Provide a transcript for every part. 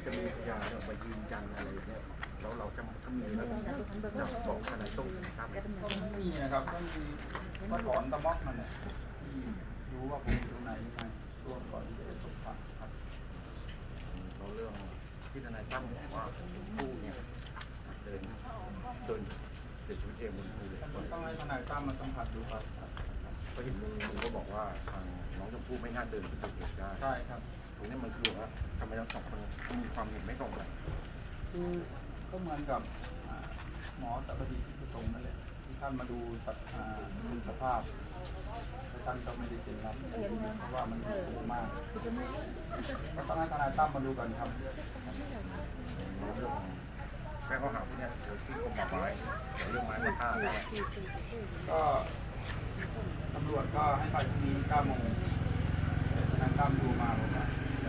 จะมีพยานมายืนยันอะไรเนี่ยแล้วเราจะมีแล้วจะบอกขนาดตรงครับก็ไม่มีนะครับก็มีว่าถอนตะม็อกนั่นแหละที่รู้ว่าผมอยู่ตรงไหนยังไงช่วงก่อนที่จะประสบภัยครับเราเรื่องที่ทนายตั้มบอกว่าผู้เนี่ยเดินเสียชีวิตเองบนภูเหล็กไฟต้องให้ทนายตั้มมาสัมผัสดูครับก็เห็นลุงก็บอกว่าทางน้องชมพู่ไม่น่าเดินขึ้นไปเหตุได้ใช่ครับตรงนี้มันคือว่าทำไมทั้งสองคนมีความเห็นไม่ตรงกันคือก็เหมือนกับหมอสัพพดิที่ประสงค์นั่นแหละที่ท่านมาดูสภาพแต่ท่านก็ไม่ได้เซ็นรับเพราะว่ามันสูงมากก็ต้องให้ทนายตั้มมาดูกันครับเรื่องแม่เขาหาที่เนี่ยเดี๋ยวที่กรมป่าไม้เรื่องไม้มาฆ่าแล้วก็ตำรวจก็ให้ไปพรุ่งนี้9 โมงทนายตั้มดูมาบอกว่า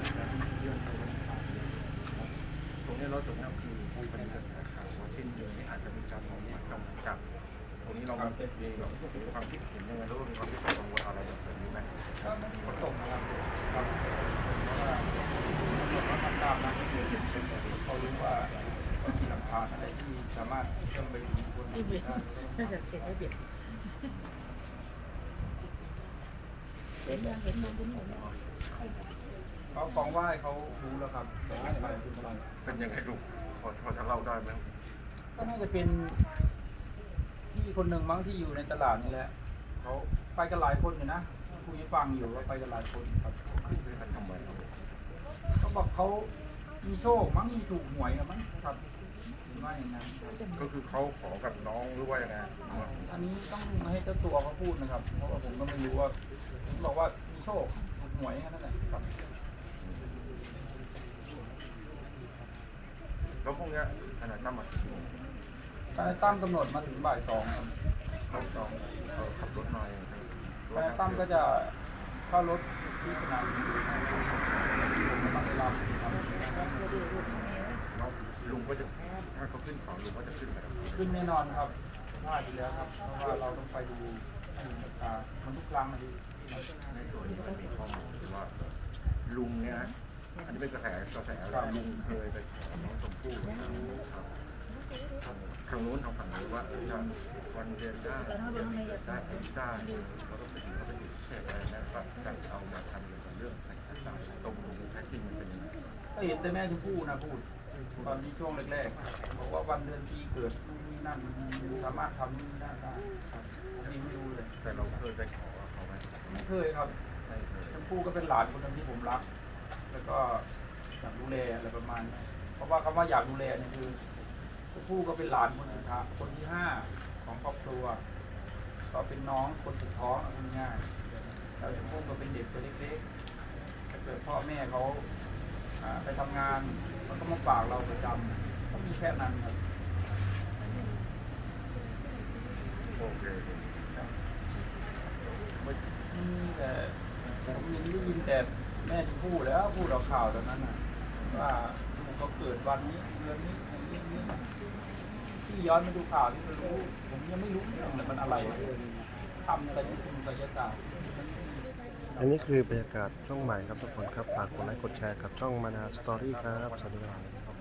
ตรงนี้เราตรงนี้คือผู้ปฏิบัติข่าวว่าเช่นเดียวนี้อาจจะมีการมองว่าต้องจับตรงนี้เรามีความคิดเห็นยังไงหรือว่ามีความคิดกังวลอะไรแบบนี้ไหมก็ไม่มีผลตกนะครับเพราะว่าเขาทำตามนะเขารู้ว่ามีหลักฐานอะไรที่สามารถเชื่อมไปถึงคนได้น่าจะเก็บไว้เบียดเห็นยังเขากองไหว้เขารู้แล้วครับแต่ไม่ไปเป็นอะไรเป็นยังไงลูกพอจะเล่าได้ไหมก็น่าจะเป็นพี่คนหนึ่งมั้งที่อยู่ในตลาดนี่แหละเขาไปกันหลายคนอยู่นะคุยฟังอยู่ว่าไปกันหลายคนครับทำไมเขาบอกเขามีโชคมั้งมีถูกหวยมั้งครับหรือว่าอย่างนั้นก็คือเขาขอกับน้องหรือว่ายังไงอันนี้ต้องให้เจ้าตัวเขาพูดนะครับเพราะว่าผมก็ไม่รู้ว่าผมบอกว่ามีโชคถูกหวยแค่นั้นแหละครับแล้วพวกนี้ทนายตั้มมาถึงทนายตั้มกำหนดมาถึงบ่าย 2ครับบ่าย 2ขับรถมาทนายตั้มก็จะเข้ารถที่สนามบินผมกำลังไปรับลุงก็จะถ้าเขาขึ้นเขาลุงก็จะขึ้นไปขึ้นแน่นอนครับพลาดอยู่แล้วครับเพราะว่าเราต้องไปดูมันทุกครั้งนะในส่วนนี้มันมีข้อมูลว่าลุงเนี่ยอันนี้เป็นกระแสลุงเคยไปขอน้องชมพู่ทางนู้นทางฝั่งนี้ว่าจะวันเรียนได้ได้เขาต้องไปถึงเสร็จอะไรนะก็จะเอามาทำเรื่องใส่กระดาษตรงแท้จริงมันเป็นยังไงก็เห็นแต่แม่ชมพู่นะพูดตอนที่ช่วงแรกๆบอกว่าวันเดือนปีเกิดนั่นสามารถทำได้นี่ไม่รู้เลยแต่เราเคยไปขอเขาไหมไม่เคยครับชมพู่ก็เป็นหลานคนนึงที่ผมรักแล้วก็อยากดูแลอะไรประมาณนี้เพราะว่าคำว่าอยากดูแลเนี่ยคือชมพู่ก็เป็นหลานคนสุดท้ายคนที่5ของครอบครัวก็เป็นน้องคนสุดท้องง่ายๆแล้วชมพู่ก็เป็นเด็กตัวเล็กๆถ้าเกิดพ่อแม่เขาไปทำงานมันก็มาฝากเราประจำก็มีแค่นั้นครับโอเคแต่ผมได้ยินแต่แม่ที่พูดแล้วพูดเราข่าวตอนนั้นว่าลูกเขาเกิดวันนี้เดือนนี้นี้ที่ย้อนมาดูข่าวที่เรารู้ผมยังไม่รู้เรื่องเลยมันอะไรทำอะไรที่คุณไสยศาสตร์อันนี้คือบรรยากาศช่องใหม่ครับทุกคนครับฝากกดไลค์กดแชร์กับช่องมานาสตอรี่ครับสวัสดีครับ